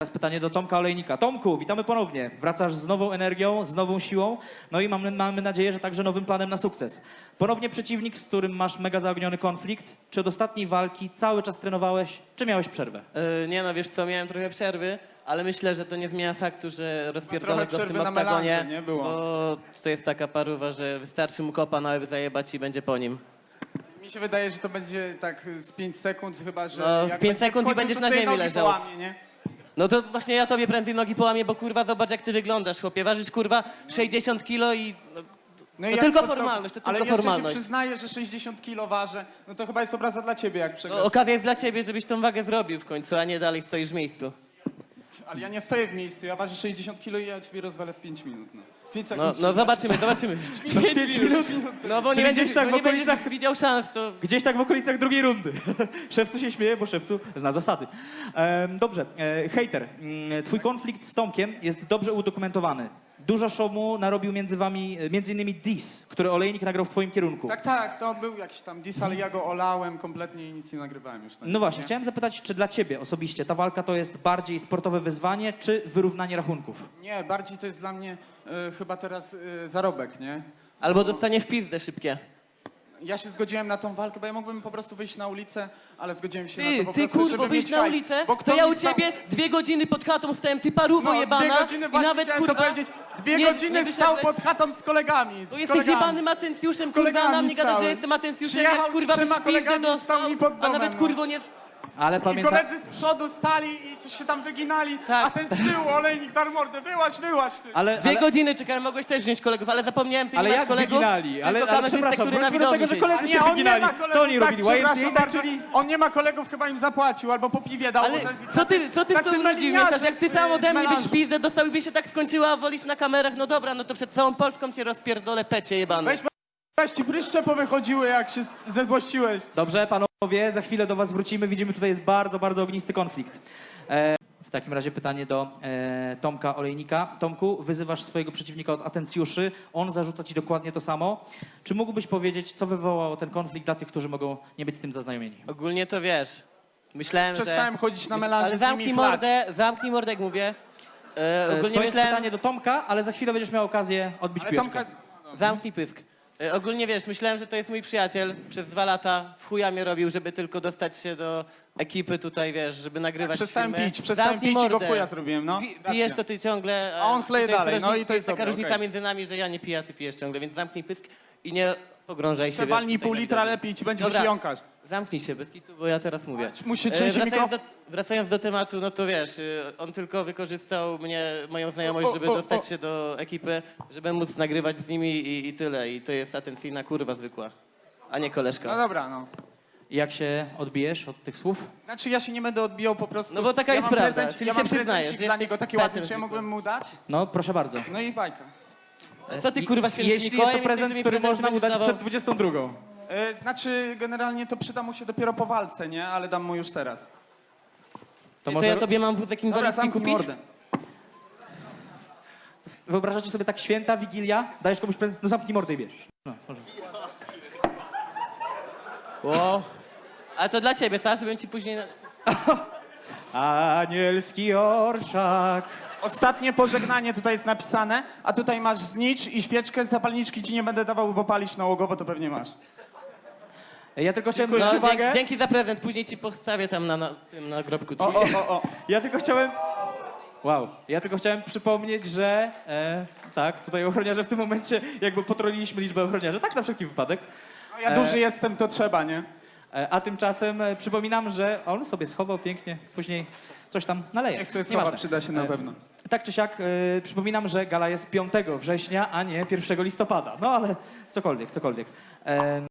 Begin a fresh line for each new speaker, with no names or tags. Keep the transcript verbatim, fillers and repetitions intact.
Teraz pytanie do Tomka Olejnika. Tomku, witamy ponownie. Wracasz z nową energią, z nową siłą, no i mamy, mamy nadzieję, że także nowym planem na sukces. Ponownie przeciwnik, z którym masz mega zaogniony konflikt. Czy od ostatniej walki cały czas trenowałeś, czy miałeś przerwę?
Yy, nie no, wiesz co, miałem trochę przerwy, ale myślę, że to nie zmienia faktu, że rozpierdolę go w tym
przerwy na
oktagonie,
melanże, nie było.
bo to jest taka paruwa, że wystarczy mu kopa na łeb zajebać i będzie po nim.
Mi się wydaje, że to będzie tak z pięć sekund, chyba że...
No, w
jak
pięć
będzie
sekund i
wchodził,
będziesz
to
na
sobie
ziemi
nogi
leżał.
połamie, nie?
No to właśnie ja tobie prędzej nogi połamię, bo kurwa zobacz jak ty wyglądasz, chłopie. Ważysz kurwa sześćdziesiąt kilo i... No,
No
To
jak
tylko
po co-
formalność, to
Ale
tylko
jeszcze
formalność.
się przyznaję, że sześćdziesiąt kilo ważę, no to chyba jest obraza dla ciebie, jak przegrasz.
no, okazja jest dla ciebie, żebyś tą wagę zrobił w końcu, a nie dalej stoisz w miejscu.
Ale ja nie stoję w miejscu, ja ważę sześćdziesiąt kilo i ja ciebie rozwalę w pięć minut. No. pięć
No,
sekund.
no zobaczymy, zobaczymy.
pięć minut.
No bo nie
Czyli
będziesz,
gdzieś tak
bo
w
nie będziesz
okolicach-
widział szans, to...
Gdzieś tak w okolicach drugiej rundy. Szewcu się śmieje, bo Szewcu zna zasady. Ehm, dobrze, e, hejter, mm, twój konflikt z Tomkiem jest dobrze udokumentowany. Dużo szumu narobił między wami, e, między innymi diss, który Olejnik nagrał w twoim kierunku.
Tak, tak, to był jakiś tam diss, ale ja go olałem kompletnie i nic nie nagrywałem już. Tak,
No właśnie,
nie?
chciałem zapytać, czy dla ciebie osobiście ta walka to jest bardziej sportowe wyzwanie, czy wyrównanie rachunków?
Nie, bardziej to jest dla mnie e, chyba teraz e, zarobek, nie?
Albo dostanie w pizdę szybkie.
Ja się zgodziłem na tą walkę, bo ja mógłbym po prostu wyjść na ulicę, ale zgodziłem się na
Ty,
to po
ty
prostu,
kurwo,
żeby
wyjść
mieć
na
hajs.
ulicę,
Bo
to
kto
ja
mi
u
stał-
ciebie dwie godziny pod chatą stałem, ty paruwo
No,
jebana
dwie godziny
i
właśnie
nawet
chciałem
kurwa...
to powiedzieć. Dwie
nie-
godziny
nie
stał
wyszedłeś.
pod chatą z kolegami. Z
To jesteś
kolegami.
jebanym atencjuszem,
Z
kurwa, a na
kolegami
mnie gadasz, że
stałem.
jestem atencjuszem,
Przyjechał
jak
z
kurwa byś
trzema
pizdę
kolegami,
dostał,
stał mi pod
a
domem,
nawet
no.
kurwo nie...
Ale
I
pamiętam...
koledzy z przodu stali i coś się tam wyginali,
Tak.
a ten z tyłu, olejnik dar mordę, wyłaź, wyłaź ty.
Ale,
Dwie
ale,
godziny czekałem, mogłeś też wziąć kolegów, ale zapomniałem, ty
ale
nie masz
jak
kolegów,
wyginali?
tylko
Ale, ale
kamerzystę,
przepraszam,
który na
wróćmy do
widowni
tego, że
siedzi.
koledzy
A
się
nie, on nie
wyginali.
ma kolegów,
Co oni
tak,
robili? Y M C A,
przepraszam
tak,
bardzo.
czyli...
On nie ma kolegów, chyba im zapłacił, albo po piwie dał.
Ale
bo to jest-
co ty, co ty w
tacy
to ludzi
meliniarze
mieszasz? Jak ty
z-
sam ode
z
mnie byś
melanżu.
pizdę dostał i by się tak skończyła, a wolisz na kamerach, no dobra, no to przed całą Polską cię rozpierdolę, pecie jebany.
Weź, weź ci pryszcze powychodziły, jak się z- zezłościłeś.
Dobrze, panowie, za chwilę do was wrócimy. Widzimy, tutaj jest bardzo, bardzo ognisty konflikt. E, w takim razie pytanie do e, Tomka Olejnika. Tomku, wyzywasz swojego przeciwnika od atencjuszy, on zarzuca ci dokładnie to samo. Czy mógłbyś powiedzieć, co wywołało ten konflikt dla tych, którzy mogą nie być z tym zaznajomieni?
Ogólnie to wiesz, myślałem,
Przestałem
że...
chodzić na melanże
Ale
z nimi
zamknij
i chlać.
mordę, zamknij mordę, jak mówię. E,
E,
ogólnie
to jest
myślałem...
pytanie do Tomka, ale za chwilę będziesz miał okazję odbić
Ale
piłeczkę.
Tomka...
Zamknij pysk. E, ogólnie wiesz, myślałem, że to jest mój przyjaciel. Przez dwa lata w chuja mnie robił, żeby tylko dostać się do ekipy tutaj, wiesz, żeby nagrywać
Przestałem
filmy.
pić, przestałem
Zamknij
pić i go
mordę.
w chuja zrobiłem, no.
Pi-
Racja.
pijesz to ty ciągle,
A on chleje
to jest
dalej, no
różni-
i to jest
taka
dobre,
różnica
okej.
między nami, że ja nie piję, a ty pijesz ciągle, więc zamknij pysk i nie pogrążaj się.
Przewalnij
tutaj
pół
na
litra
widowni.
lepiej i ci będzie
Dobra.
się jąkać.
Zamknij się, bez kitu, bo ja teraz mówię.
Musi
E,
trzęsie
wracając, do,
mikrofon.
wracając do tematu, no to wiesz, y, on tylko wykorzystał mnie, moją znajomość,
O, o,
żeby
o,
dostać
o.
się do ekipy, żeby móc nagrywać z nimi i, i tyle. I to jest atencyjna kurwa zwykła, a nie
No
koleżka.
dobra, no.
I jak się odbijesz od tych słów?
Znaczy ja się nie będę odbijał po prostu.
No bo taka
ja
jest
mam
prawda,
prezent,
czyli
ja
się
mam
przyznajesz,
prezencik
że
dla
jesteś
niego taki
petem
ładny, czy ja
zwykłym.
mógłbym mu dać?
No, proszę bardzo.
No i bajka.
Co ty
I-
kurwa
i
świętym
Jeśli jest
Mikołajem
to prezent,
jesteś, że mi
który
prezenty
można mu
będziesz
dać
dawał?
przed dwudziestą drugą.
E, znaczy generalnie to przyda mu się dopiero po walce, nie? Ale dam mu już teraz.
To
To,
może
ja tobie mam wózek
Dobra,
inwalidzki
zamknij
kupić?
mordę.
wyobrażacie sobie tak święta, Wigilia, dajesz komuś prezent, no zamknij mordę i bierz. No, może.
Ło. Ale to dla ciebie, tak? Żebym ci później...
Anielski orszak.
Ostatnie pożegnanie tutaj jest napisane, a tutaj masz znicz i świeczkę, zapalniczki ci nie będę dawał, bo palisz nałogowo, to pewnie masz.
Ja tylko chciałem
No,
zwrócić uwagę.
dzięki, dzięki za prezent, później ci postawię tam na, na tym nagrobku.
O, o, o, o.
Ja tylko chciałem... Wow. Ja tylko chciałem przypomnieć, że... E, tak, tutaj ochroniarze w tym momencie jakby potroliliśmy liczbę ochroniarzy. Tak na wszelki wypadek.
No, ja
E.
duży jestem, to trzeba, nie?
E, a tymczasem e, przypominam, że on sobie schował pięknie, później coś tam naleje.
Niech sobie słowa
Nieważne.
przyda się na
E,
pewno.
Tak czy siak, e, przypominam, że gala jest piątego września, a nie pierwszego listopada. No ale cokolwiek, cokolwiek. E,